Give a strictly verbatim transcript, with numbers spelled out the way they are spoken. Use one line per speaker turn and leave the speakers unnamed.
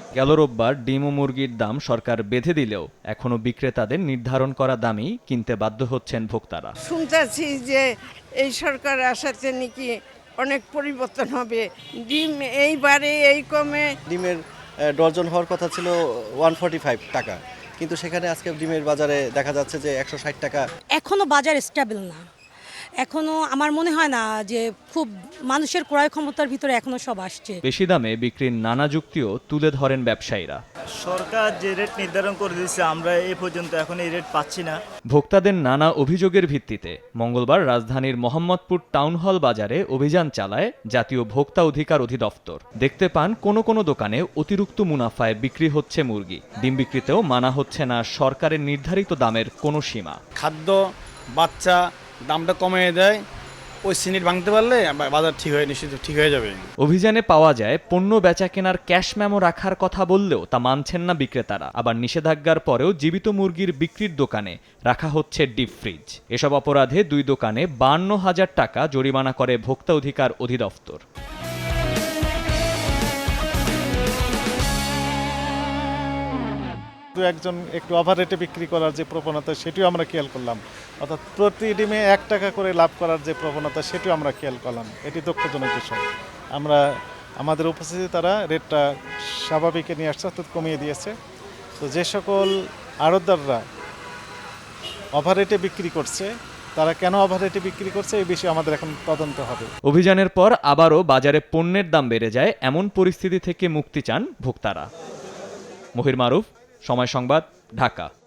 গেল রোববার ডিম ও মুরগির দাম সরকার বেঁধে দিলেও এখনো বিক্রেতাদের নির্ধারণ করা দামই কিনতে বাধ্য হচ্ছেন ভোক্তারা।
শুনতেছি যে এই সরকার আসাতে নাকি অনেক পরিবর্তন হবে, ডিম এইবারে এই কমে।
ডিমের ডজন হওয়ার কথা ছিল ওয়ান ফর্টি ফাইভ টাকা, কিন্তু সেখানে আজকে ডিমের বাজারে দেখা যাচ্ছে যে একশো ষাট টাকা।
এখনো বাজার স্টেবল না, এখনো আমার মনে হয় না যে খুব মানুষের ক্রয় ক্ষমতার ভিতরে এখনো সব আসছে।
বেশি দামে বিক্রির নানা যুক্তিও তুলে ধরেন ব্যবসায়ীরা।
সরকার যে রেট নির্ধারণ করে দিয়েছে আমরা এই পর্যন্ত এখন এই রেট পাচ্ছি না।
ভোক্তাদের নানা অভিযোগের ভিত্তিতে মঙ্গলবার রাজধানীর মোহাম্মদপুর টাউন হল বাজারে অভিযান চালায় জাতীয় ভোক্তা অধিকার অধিদপ্তর। দেখতে পান কোনো কোনো দোকানে অতিরিক্ত মুনাফায় বিক্রি হচ্ছে মুরগি। ডিম বিক্রিতেও মানা হচ্ছে না সরকারের নির্ধারিত দামের কোনো সীমা।
খাদ্য বাচ্চা দামটা কমিয়ে দেয়, ওই সিনিট ভাঙতে পারলে বাজার ঠিক হয়ে নিশ্চিত ঠিক হয়ে যাবে।
অভিযানে পাওয়া যায় পণ্য বেচা কেনার ক্যাশ মেমো রাখার কথা বললেও তা মানছেন না বিক্রেতারা। আবার নিষেধাজ্ঞার পরেও জীবিত মুরগির বিক্রির দোকানে রাখা হচ্ছে ডিপ ফ্রিজ। এসব অপরাধে দুই দোকানে বান্ন হাজার টাকা জরিমানা করে ভোক্তা অধিকার অধিদপ্তর।
দু একজন একটু ওভার রেটে বিক্রি করার যে প্রবণতা সেটিও আমরা খেয়াল করলাম, অর্থাৎ প্রতি ডিমে এক টাকা করে লাভ করার যে প্রবণতা সেটিও আমরা খেয়াল করলাম। এটি দুঃখজনক বিষয়। আমরা আমাদের উপস্থিতি তারা রেটটা স্বাভাবিকে নিয়ে আসছে, অর্থাৎ কমিয়ে দিয়েছে। তো যে সকল আড়তদাররা ওভার রেটে বিক্রি করছে তারা কেন ওভার রেটে বিক্রি করছে এই বিষয়ে আমাদের এখন তদন্ত হবে।
অভিযানের পর আবারও বাজারে পণ্যের দাম বেড়ে যায়, এমন পরিস্থিতি থেকে মুক্তি চান ভোক্তারা। মহির মারুফ, সময় সংবাদ, ঢাকা।